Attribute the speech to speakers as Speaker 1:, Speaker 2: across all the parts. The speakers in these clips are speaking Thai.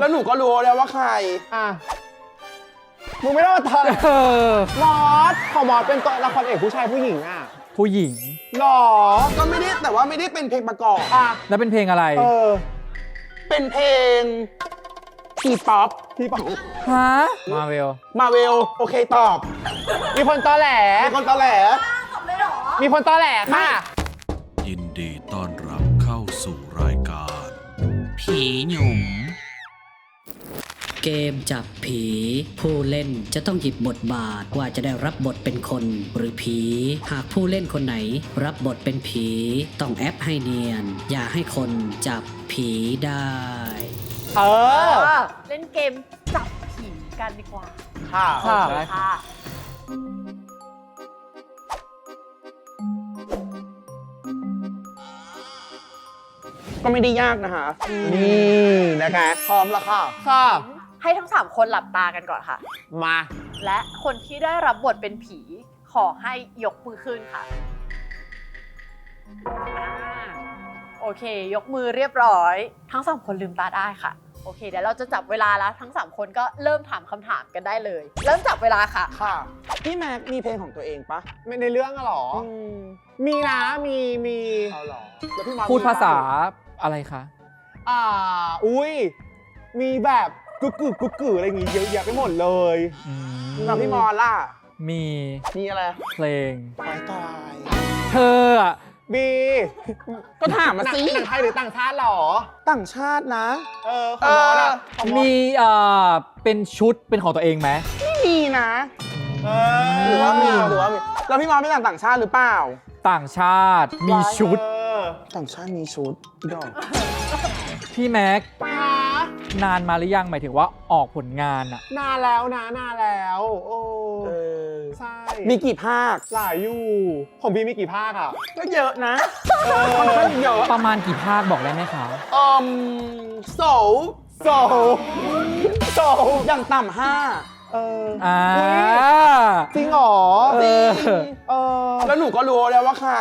Speaker 1: แล้วหนูก็รู้แล้วว่าใคร
Speaker 2: มึงไม่ต้องมาทำมอสของมอสเป็นตัวละครเอกผู้ชายผู้หญิง
Speaker 3: ผู้หญิง
Speaker 2: หรอ
Speaker 1: ก็ไม่ได้แต่ว่าไม่ได้เป็นเพลงประกอบ
Speaker 3: แล้วเป็นเพลงอะไร
Speaker 1: เป็นเพลงทีป๊อป
Speaker 3: ฮะมาเวล
Speaker 1: โอเคตอบ
Speaker 2: มีคนตอแหลมีคนตอแหลค่ะ
Speaker 4: ยินดีต้อนรับเข้าสู่รายการผีหยุ่ม
Speaker 5: เกมจับผีผู้เล่นจะต้องหยิบบทบาทว่าจะได้รับบทเป็นคนหรือผีหากผู้เล่นคนไหนรับบทเป็นผีต้องแอปให้เนียนอย่าให้คนจับผีได้
Speaker 6: เล่นเกมจับผีกันดีกว่า
Speaker 2: ค่ะ
Speaker 1: ก็ไม่ได้ยากนะคะนี่นะคะพร้อมแล้วค่ะ
Speaker 6: ให้ทั้ง3คนหลับตากันก่อนค่ะ
Speaker 2: มา
Speaker 6: และคนที่ได้รับบทเป็นผีขอให้ยกมือขึ้นค่ะโอเคยกมือเรียบร้อยทั้ง3คนลืมตาได้ค่ะโอเคเดี๋ยวเราจะจับเวลาแล้วทั้ง3คนก็เริ่มถามคำถามกันได้เลยเริ่มจับเวลาค่ะ
Speaker 1: พี่แม็กมีเพลงของตัวเองปะ
Speaker 2: ไม่ในเรื่องหรอมีนะมี
Speaker 1: เอาหรอแล้วพี่มา
Speaker 3: พูดภาษาอะไรคะ
Speaker 2: อุ้ยมีแบบกุ๊กอะไรอย่างงี้เยอะแยะไปหมดเลย
Speaker 1: แล้วพี่มอล่ะ
Speaker 3: มี
Speaker 1: อะไร
Speaker 3: เพลง
Speaker 1: ตาย
Speaker 3: เธอ
Speaker 2: มี
Speaker 1: ก็ถามมาสิ
Speaker 2: หนังไทยหรือต่างชาติหรอ
Speaker 1: ต่างชาตินะ
Speaker 3: มีเป็นชุดเป็นของตัวเองไหม
Speaker 1: ไม่มีนะหรือว่ามีแล้วพี่มอเป็นต่างชาติหรือเปล่า
Speaker 3: ต่างชาติมีชุด
Speaker 1: ต่างชาติมีชุดดอก
Speaker 3: พี่แม็กนานมาหรือยังหมายถึงว่าออกผลงาน
Speaker 2: นานแล้วโอ้ใช่
Speaker 1: มีกี่ภาค
Speaker 2: หลายอยู่ของพี่มีกี่ภาค
Speaker 1: ก็เยอะนะค่อนข้างเยอะ
Speaker 3: ประมาณกี่ภาคบอกได้ไหมคะ
Speaker 1: โซอย่างต่ำ5
Speaker 2: จริงหรอ
Speaker 1: แล้วหนูก็รู้แล้วว่าใคร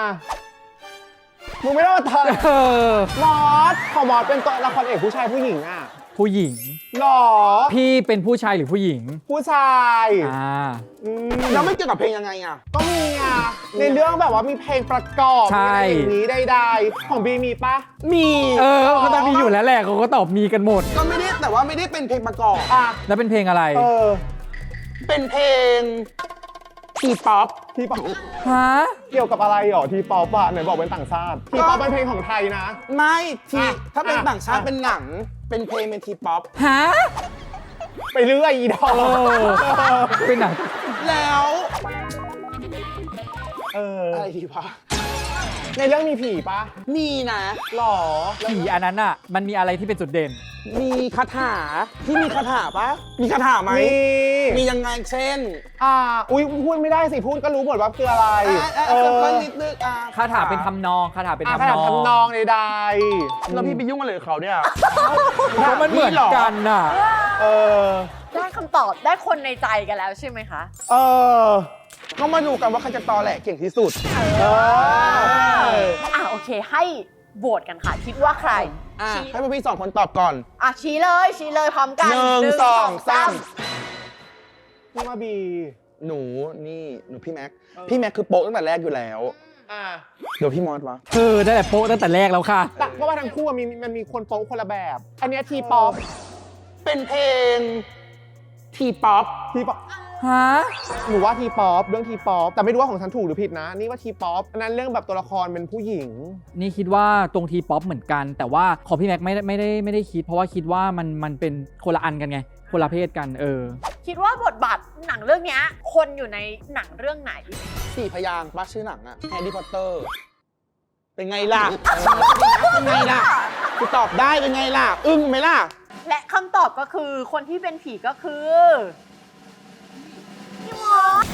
Speaker 2: มึงไม่ต้องมาทำมอสของมอสเป็นตัวละครเอกผู้ชายผู้หญิง
Speaker 3: ผู้หญิง
Speaker 2: หรอ
Speaker 3: พี่เป็นผู้ชายหรือผู้หญิง
Speaker 2: ผู้ชาย
Speaker 1: แล้วไม่เกี่ยวกับเพลงยังไง
Speaker 2: ก็มีในเรื่องแบบว่ามีเพลงประกอบอย่างนี้ใดๆของบีมีปะ
Speaker 1: มี
Speaker 3: ก็ต้องมีอยู่แล้วแหละเขาก็ตอบมีกันหมด
Speaker 1: ก็ไม่ได้แต่ว่าไม่ได้เป็นเพลงประกอบ
Speaker 3: แล้วเป็นเพลงอะไร
Speaker 1: เป็นเพลงทีป๊อป
Speaker 3: ฮะ
Speaker 2: เกี่ยวกับอะไรหรอทีป๊อปไหนบอกเป็นต่างชาติทีป๊อปเป็นเพลงของไทยนะ
Speaker 1: ไม่ถ้าเป็นต่างชาติเป็นหนังเป็นเพลงเป็นทีป๊อป
Speaker 3: ฮะ
Speaker 2: ไปเรื่อยอีดอก
Speaker 3: เป็นหนัง
Speaker 1: แล้วอะไรทีป๊อป
Speaker 2: ในเรื่องมีผีปะ
Speaker 1: มีนะ
Speaker 2: หรอ
Speaker 3: ผีอันนั้นมันมีอะไรที่เป็นจุดเด่น
Speaker 1: มีคาถาที่มีคาถาปะมีคาถาไหมมียังไงเช่น
Speaker 2: อุ้ยพูดไม่ได้สิพูดก็รู้หมดว่าคืออะไร
Speaker 1: ก็นิดนึง
Speaker 3: คาถาเป็นทำนองคาถาเป็นทำ
Speaker 2: นองใด
Speaker 1: ๆแล้วพี่ไปยุ่งอะไรกับเขาเนี่ย
Speaker 3: มันเหมือนกัน
Speaker 6: ได้คำตอบได้คนในใจกันแล้วใช่ไหมคะ
Speaker 1: ก็มาดูกันว่าใครจะตอแหลเก่งที่สุด
Speaker 6: โอเคให้โหวตกันค่ะคิดว่าใคร
Speaker 1: ให้พวกพี่2 คนตอบก่อน
Speaker 6: ชี้เลยพร้อมกัน
Speaker 1: 1 2 3
Speaker 2: พี่มาบี
Speaker 1: หนูพี่แม็กคือโป๊ะตั้งแต่แรกอยู่แล้วเดี๋ยวพี่มอสวะ
Speaker 3: ได้แต่โป๊ะตั้งแต่แรกแล้วค่ะ
Speaker 2: เพราะว่าทั้งคู่มันมีคนโป๊ะคนละแบบอันนี้ทีป๊อป
Speaker 1: เป็นเพลงทีป๊อป
Speaker 3: ฮะ
Speaker 2: หนูว่าทีป๊อปเรื่องทีป๊อปแต่ไม่รู้ว่าของฉันถูกหรือผิดนะนี่ว่าทีป๊อปอันนั้นเรื่องแบบตัวละครเป็นผู้หญิง
Speaker 3: นี่คิดว่าตรงทีป๊อปเหมือนกันแต่ว่าของพี่แม็กไม่ได้คิดเพราะว่าคิดว่ามันเป็นคนละอันกันไงคนละเพศกัน
Speaker 6: คิดว่าบทบาทหนังเรื่องนี้คนอยู่ในหนังเรื่องไหน
Speaker 1: 4 พยางค์ป้าชื่อหนังแฮร์รี่พอตเตอร์เป็นไงล่ะคือตอบได้เป็นไงล่ะอึ้งไหมล่ะ
Speaker 6: และคำตอบก็คือคนที่เป็นผีก็คือพี่มอส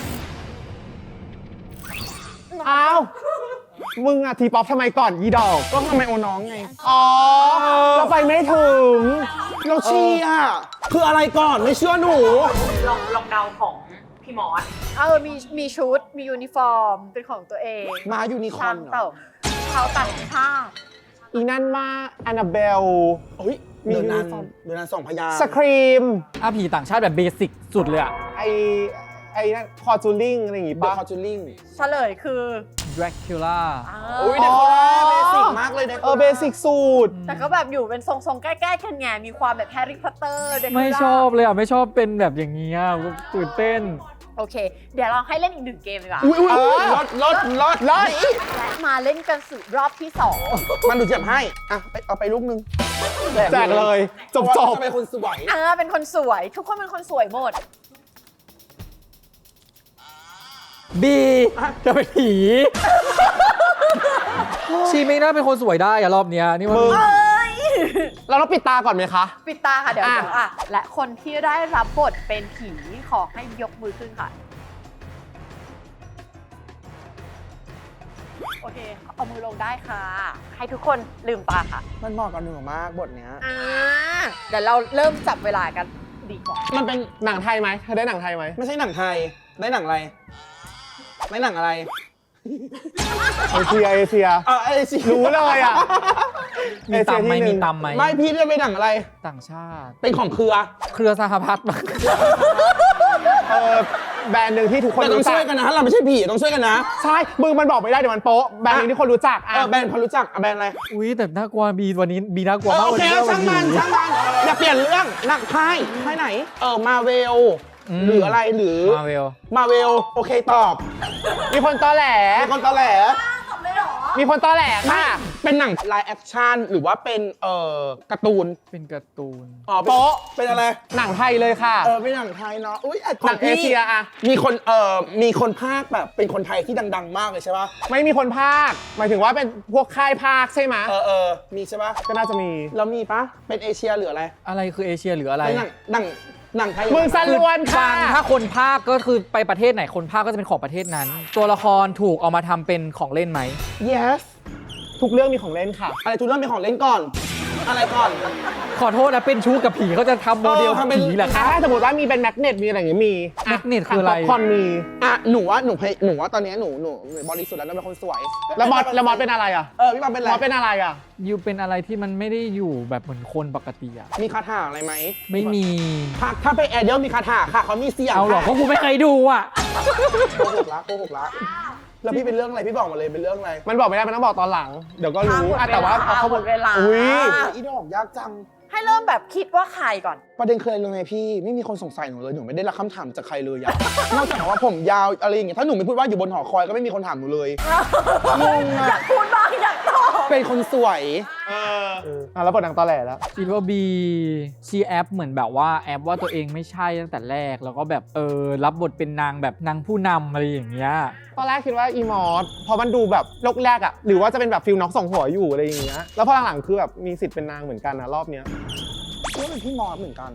Speaker 2: มึงทีป๊อปทำไมก่อนยีดอก
Speaker 1: ก็ทำไมโอน้องไง
Speaker 2: เราไปไม่ถึง
Speaker 1: เราเชียร์คืออะไรก่อนไม่เชื่อหนู
Speaker 6: ลองเดาของพี่มอสมีชุดมียูนิฟอร์มเป็นของตัวเอง
Speaker 1: มายูนิคอร์น
Speaker 6: ชาวต่างชาติ
Speaker 2: อีนั่นมาแอนนาเบลมี
Speaker 1: เดือนนั้น
Speaker 2: ยูนิฟอร์ม
Speaker 1: เดือนนั้น2 พยางค์
Speaker 2: สครีม
Speaker 3: ผีต่างชาติแบบเบสิกสุดเลยอะ
Speaker 2: ไอนั่นคอจูริงอะไรอย่างงี้
Speaker 1: เดอะ
Speaker 2: ปะ
Speaker 1: คอจูริง
Speaker 6: เฉลยคือ
Speaker 3: Dracula
Speaker 1: อุ้ยเด็กคนแรกเบสิกมากเลยเด็ก
Speaker 2: เบสิกสูตร
Speaker 6: แต่ก็แบบอยู่เป็นทรงๆ ใกล้ๆกันไงมีความแบบแฮร์รี่พอตเตอร์
Speaker 3: ไม่ชอบเลยอะไม่ชอบเป็นแบบอย่างเงี้ยตื่นเต้น
Speaker 6: โอเค เดี๋ยวเราให้เล่นอีก1 เกมดีกว่า
Speaker 1: อุ้ยรถ
Speaker 6: และมาเล่นกันสู่รอบที่
Speaker 1: มันดูเจ็บให้อ่ะเอาไปลูกนึง
Speaker 2: แจกเลย จบ
Speaker 1: จะเป็นคนสวย
Speaker 6: 2เป็นคนสวย ทุกคนเป็นคนสวยหมด
Speaker 3: บีจะเป็นผี ชีไม่น่าเป็นคนสวยได้อะรอบเนี้ยนี่มัน
Speaker 2: มึง เราต้องปิดตาก่อนไหมคะ
Speaker 6: ปิดตาค่ะเดี๋ยว
Speaker 2: อ่ะ
Speaker 6: และคนที่ได้รับบทเป็นผีขอให้ยกมือขึ้นค่ะ โอเค เอามือลงได้ค่ะ ให้ทุกคนลืมตาค่ะ
Speaker 1: มันเหมาะกับหนูมากบทเนี้ย
Speaker 6: เดี๋ยวเราเริ่มจับเวลากันดีกว่า
Speaker 2: มันเป็นหนังไทยไหมเธอได้หนังไทยไหม
Speaker 1: ไม่ใช่หนังไทยได้หนังอะไรได้หนังอะไร
Speaker 2: เอเชีย
Speaker 1: ไอ้สิ
Speaker 2: รู้เลยอ่ะ
Speaker 3: มีตำไหม
Speaker 2: เอเชียที่หนึ่
Speaker 3: มี
Speaker 2: ง
Speaker 3: ตำไหม
Speaker 1: ไม่พี่ได้ไปหนังอะไร
Speaker 3: ต่างชาติ
Speaker 1: เป็นของเครือ
Speaker 3: เครือสหพัฒน์
Speaker 2: แบรนด์หนึ่งที่ทุกคน
Speaker 1: แต่ต้อง
Speaker 2: รู้จั
Speaker 1: ช่
Speaker 2: ก
Speaker 1: วยกันนะเราไม่ใช่ผีต้องช่วยกันนะ
Speaker 2: ใช่มึงมันบอกไม่ได้เดี๋ยวมันโป๊ะแบรนด์หนึงที่คนรู้จักอ่ะ
Speaker 1: แบรนด์พอรู้จักแบรนด์อะไร
Speaker 3: อุ้ยแต่น่ากลัวบีวันนี้บีน่ากลัวมาก
Speaker 1: โอเค
Speaker 3: วันนี้
Speaker 1: ช่างมันอย่าเปลี่ยนเรื่องหนักไพ่ไหนมาเวลหรืออะไรหรือ
Speaker 3: มาเวล
Speaker 1: มาเวลโอเคตอบ
Speaker 2: มีคนตอแหล
Speaker 1: เป็นคนตอแหล
Speaker 2: มีคนตอแหลค่ะ
Speaker 1: เป็นหนังไลฟ์แอคชั่นหรือว่าเป็นการ์ตูน
Speaker 3: เป็นการ์ตูน
Speaker 1: โป๊ะเป็นอะไร
Speaker 2: หนังไทยเลยค่ะ
Speaker 1: เป็นหนังไทยเนาะอุ้ย
Speaker 2: หนังเอเชียอะ
Speaker 1: มีคนภาคแบบเป็นคนไทยที่ดังๆ มากเลยใช่ปะ
Speaker 2: ไม่มีคนภาค หมายถึงว่าเป็นพวกค่ายภาคใช่ไหม
Speaker 1: มีใช่ปะ
Speaker 2: ก็น่าจะมี
Speaker 1: แล้วมีปะเป็นเอเชียหรืออะไร
Speaker 3: อะไรคือเอเชียหรืออะไร
Speaker 1: เป็นหนังไทย
Speaker 2: มึงสั้นล้วนค่ะ
Speaker 3: ถ้าคนภาคก็คือไปประเทศไหนคนภาคก็จะเป็นของประเทศนั้น ตัวละครถูกเอามาทำเป็นของเล่นไหม
Speaker 1: yes
Speaker 2: ทุกเรื่องมีของเล่นค่ะ
Speaker 1: อะไรทุกเรื่องเป็นของเล่นก่อน อะไรก่อน
Speaker 3: ขอโทษนะเป็นชู้กับผีเขาจะทำโมเดล
Speaker 1: ทำเป็น
Speaker 3: ผีเหรอคะ
Speaker 2: ถ้าสมมติว่ามีเป็นแมกเนตมีอะไรอย่างเงี้ยมี
Speaker 3: แมกเนตคืออะไร
Speaker 2: ป๊ปคอร์นมี
Speaker 1: หนูว่าตอนนี้หนูบริสุทธิ์แล้วเป็นคนสวย
Speaker 2: แล้วมอสเป็นอะไรอ่ะ
Speaker 1: พี่บอลเป็น
Speaker 2: ม
Speaker 1: อะไร
Speaker 2: อสเป็นอะไรอ่ะ
Speaker 3: ยูเป็นอะไรที่มันไม่ได้อยู่แบบเหมือนคนปกติอะ
Speaker 1: มีคาถาอะไรไหม
Speaker 3: ไม่มี
Speaker 1: ถ้าเป็นแอร์เดียลมีคาถาค่ะเขามีเสียง
Speaker 3: เอาหรอเพราะกูไม่เคยดูอะ
Speaker 1: โกหกละแล้วพี่เป็นเรื่องอะไรพี่บอกมาเลยเป็นเรื่องอะไร
Speaker 2: มันบอกไม่ได้มันต้องบอกตอนหลัง เดี๋ยวก็รู้อ่ะแต่ว่าเอาข้อมูล
Speaker 6: หมดเวลา
Speaker 2: อุ้ย
Speaker 1: อีดอกยากจัง
Speaker 6: ให้เริ่มแบบคิดว่าใครก่อน
Speaker 1: ประเด็นคืออะไรรู้ไหมพี่ไม่มีคนสงสัยหนูเลยหนูไม่ได้รับคำถามจากใครเลยอะ นอกจากว่าผมยาวอะไรอย่างเงี้ยถ้าหนูไม่พูดว่าอยู่บนหอคอยก็ไม่มีคนถามหนูเลยงง
Speaker 6: อยา
Speaker 1: อะ
Speaker 6: กพูดบ้างอยากตอบ
Speaker 1: เป็นคนสวย
Speaker 2: แล้วบทหนังตอแหลแล้ว
Speaker 3: คิดว่าบีชีแอปเหมือนแบบว่าแอปว่าตัวเองไม่ใช่ตั้งแต่แรกแล้วก็แบบรับบทเป็นนางแบบนางผู้นำอะไรอย่างเงี้ย
Speaker 2: ตอนแรกคิดว่าอีมอสพอมันดูแบบโลกแรกอ่ะหรือว่าจะเป็นแบบฟิลน็อกสองหัวอยู่อะไรอย่างเงี้ยแล้วพอหลังๆคือแบบมีสิทธิ์เป็นนางเหมือนกันนะรอบเนี้ย
Speaker 1: ก็เป็นพี่มอสเหมือนกัน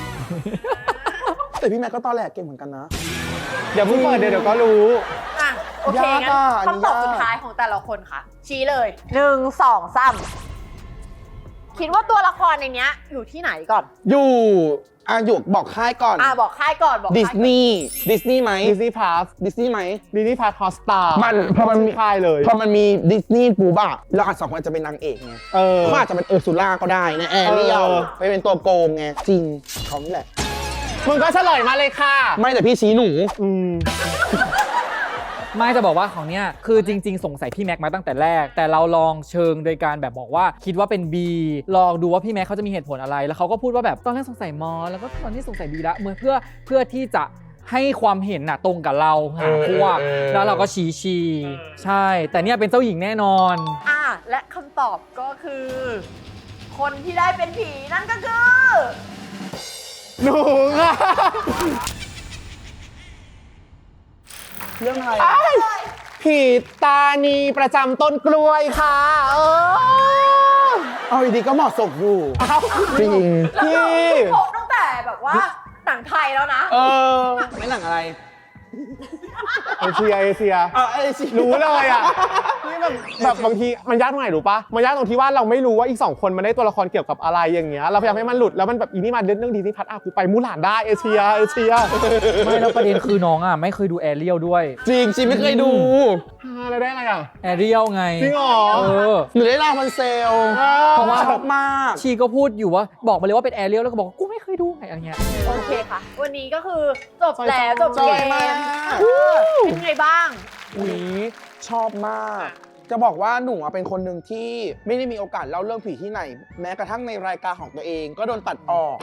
Speaker 1: แต่พี่แม็กก็ตอแหลกเก่งเหมือนกันนะ
Speaker 2: เดี๋ยวเพิ่งเปิดเดี๋ยวก็รู้
Speaker 6: อ่ะโอเค
Speaker 1: ยาก
Speaker 6: งั้น
Speaker 1: อ่ะ
Speaker 6: คำตอบ
Speaker 1: ยาก
Speaker 6: สุดท้ายของแต่ละคนค่ะ ชี้เลย 1 2 3 คิดว่าตัวละครในเนี้ยอยู่ที่ไหนก่อน
Speaker 1: อยู่บอกค่ายก่อน
Speaker 6: บอกค่ายก่อนบอก
Speaker 1: ดิ
Speaker 6: ค่า
Speaker 1: ส
Speaker 6: ยก่อน
Speaker 1: นีย์ไหม
Speaker 2: ดิสนีย์พลัส
Speaker 1: ดิสนีย์ไหม
Speaker 2: ดิสนีย์พลัสฮอสตาร์
Speaker 1: พอมันมี
Speaker 2: ค่ายเลย
Speaker 1: พอมันมีดิสนีย์ปูบ้าเราอาจสองคนอาจจะเป็นนางเอกไง เขาอาจจะเป็นซูล่าก็ได้นะแอร์เรียลไปเป็นตัวโกงไงจริงเขานี่แหละ
Speaker 2: มึงก็เฉลยมาเลยค่ะ
Speaker 1: ไม่แต่พี่ชี้หนู
Speaker 3: ไม่จะบอกว่าของเนี้ยคือจริง ๆ สงสัยพี่แม็กมาตั้งแต่แรก แต่เราลองเชิงโดยการแบบบอกว่าคิดว่าเป็น B ลองดูว่าพี่แม็กเขาจะมีเหตุผลอะไร แล้วเขาก็พูดว่าแบบตอนแรกสงสัยมอแล้วก็ตอนนี้สงสัย B ละเพื่อที่จะให้ความเห็นน่ะตรงกับเราหาพวกแล้วเราก็ชี้ใช่ แต่เนี่ยเป็นเจ้าหญิงแน่นอน
Speaker 6: และคำตอบก็คือ คนที่ได้เป็นผีนั่นก็คือ
Speaker 2: หนูค่ะ
Speaker 1: เรื่องอะไร
Speaker 2: ผีตานีประจำต้นกล้วยค่ะ
Speaker 1: เอาดีๆก็เหมาะสมอยู่จริง
Speaker 2: พี่
Speaker 6: โผล่ตั้งแต่แบบว่าหนังไทยแล้วนะ
Speaker 1: ไม่หนังอะไร
Speaker 2: เอเชีย
Speaker 1: ไอ้สิ
Speaker 2: รู้เลยอ่ะนี่แบบบางทีมันยากตรงไหนรู้ปะมันยากตรงที่ว่าเราไม่รู้ว่าอีก2คนมันได้ตัวละครเกี่ยวกับอะไรอย่างเงี้ยเราพยายามให้มันหลุดแล้วมันแบบอีนี่มาเรื่องดีนี่พัดกูไปมูหลานได้เอเชีย
Speaker 3: ไม่แล้วประเด็นคือน้องอ่ะไม่เคยดูแอเรียลด้วย
Speaker 1: จริงไม่เคยดู
Speaker 2: แล้วได้อะไรอ่ะ
Speaker 3: แอเรียลไง
Speaker 2: จริงเหรอ
Speaker 1: หนูได้ลาพันเซล
Speaker 3: เพราะว่า
Speaker 1: ชอบมาก
Speaker 3: ชีก็พูดอยู่ว่าบอกมาเลยว่าเป็นแอเรียลแล้วก็บอกว่ากูไม่เคยดูไงอะไรเงี้ย
Speaker 6: โอเคค่ะ วันนี้ก็คือจบแล้วจบ
Speaker 1: จ
Speaker 6: เก
Speaker 1: บ
Speaker 6: ม
Speaker 1: มาก
Speaker 6: เป็นไงบ้าง
Speaker 1: อุ๊ยชอบมาก จะบอกว่าหนูอะเป็นคนหนึ่งที่ไม่ได้มีโอกาสเล่าเรื่องผีที่ไหน แม้กระทั่งในรายการของตัวเองก็โดนตัดออก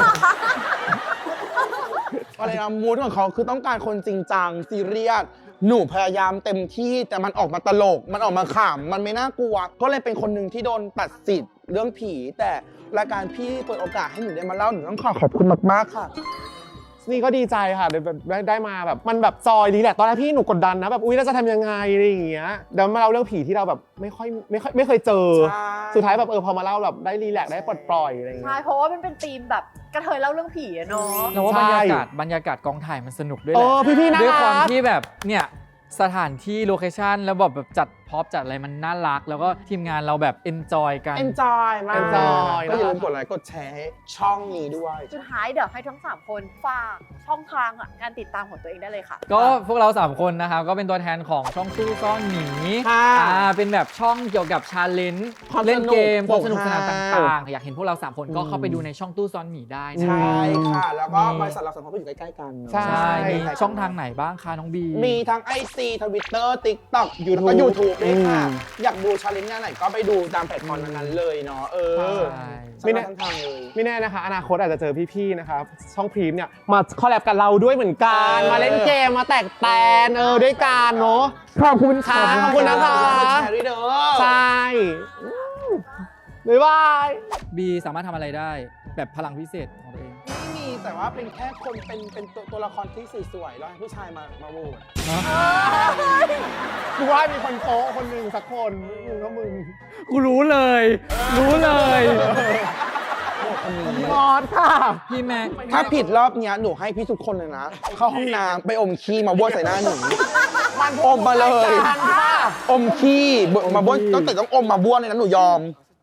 Speaker 1: อะไรนะมูดของเขาคือต้องการคนจริงจังซีเรียสหนูพยายามเต็มที่แต่มันออกมาตลก มันออกมาขำมันไม่น่ากลัว ก็เลยเป็นคนหนึ่งที่โดนตัดสิทธิ์เรื่องผี แต่รายการพี่เปิดโอกาสให้หนูได้มาเล่าหนูต้องขอบคุณมากๆค่ะ
Speaker 2: นี่ก็ดีใจค่ะได้มาแบบมันแบบจอยดีแหละตอนแรกพี่หนูกดดันนะแบบอุ๊ยเราจะทำยังไงอะไรอย่างเงี้ยเดี๋ยวมาเล่าเรื่องผีที่เราแบบไม่เคยเจอ
Speaker 1: ใช่
Speaker 2: สุดท้ายแบบพอมาเล่าแบบได้รีแลกซ์ได้ปลดปล่อยอะไรอย่าง
Speaker 6: ใช่
Speaker 2: เงี้ย
Speaker 6: เพราะว่ามันเป็นธีมแบบกระเทยเล่าเรื่องผีอะเนาะ
Speaker 3: เราว่า
Speaker 2: ใช่
Speaker 3: บรรยากาศกองถ่ายมันสนุกด้วยแหละ
Speaker 2: พี่ๆน่า
Speaker 3: ด้วยความ
Speaker 2: รัก
Speaker 3: ที่แบบเนี่ยสถานที่โลเคชั่นแล้วแบบจัดพร็อพจัดอะไรมันน่ารัก แล้วก็ทีมงานเราแบบเอนจอยกัน
Speaker 1: enjoy มาก
Speaker 2: enjoy
Speaker 1: ก็อย่าลืมกดไลค์กดแชร์ให้ช่องนี้ด้วย
Speaker 6: สุดท้ายเดี๋ยวให้ทั้ง 3 คนฝากช่องทางอะการติดตามของตัวเองได้เลยค่ะ
Speaker 3: ก็พวกเรา 3 คนนะครับ ก็เป็นตัวแทนของช่องตู้ซ่อนหนี
Speaker 1: ค่ะ
Speaker 3: เป็นแบบช่องเกี่ยวกับชาเลนจ์
Speaker 1: ความ
Speaker 3: เล่นเกม
Speaker 1: สนุก
Speaker 3: ความสนุกสนาน
Speaker 1: โปร
Speaker 3: ต
Speaker 1: กฮา
Speaker 3: ่างๆ อยากเห็นพวกเรา 3 คนก็เข้าไปดูในช่องตู้ซ่อนหมีได้นะ
Speaker 1: ใช่ค่ะ แล้วก็
Speaker 3: นี่
Speaker 1: บริษัทเราสองคนก็อยู่ใกล้ๆกัน
Speaker 2: ใช่
Speaker 3: ใช่มีช่องทางไหนบ้างคะน้องบี
Speaker 1: มีทั้ง IG Twitter TikTok
Speaker 2: YouTube
Speaker 1: แล้วก็ YouTube ด้วยค่ะ
Speaker 2: อืม
Speaker 1: อยากดูชาเลนจ์ไหนก็ไปดูตามแพลตฟอร์มนั้นๆเลยเนาะ
Speaker 3: ใช่
Speaker 1: ไม่ได้ทั้งทางเลย
Speaker 2: ไม่แน่นะคะอนาคตอาจจะเจอพี่ๆนะครับช่องพรีมเนี่ยมาคอลแลบกับเราด้วยเหมือนกันมาเล่นเกมมาแตกแตนด้วยกันเนาะ
Speaker 1: ขอบคุณค่ะ
Speaker 2: ขอบคุณนะคะ
Speaker 1: แชร์ด้วยเด้อ
Speaker 2: ใช่บ๊ายบาย
Speaker 3: บีสามารถทำอะไรได้แบบพลังพิเศษของตัวเอง
Speaker 1: ไม่มีแต่ว่าเป็นแค่คนเป็นตัวละครที่สวยๆแล้วให้ผู้ชายมาโหวต
Speaker 2: กูว่ามีคนโป๊ะคนหนึ่งสักคนมึงก็มึง
Speaker 3: กูรู้เลย รู้เลย
Speaker 2: มอสค่ะ
Speaker 3: พี่แม็ก
Speaker 1: ถ้าผิดรอบเนี้ยหนูให้พี่ทุกคนเลยนะ เข้าห้องน้ำไปอมขี้มาบ้วนใส่หน้าหนูอมมาเลย อมขี้มาบ้วนต้องแต่ต้องอมมาบ้วนเลยนะหนูยอม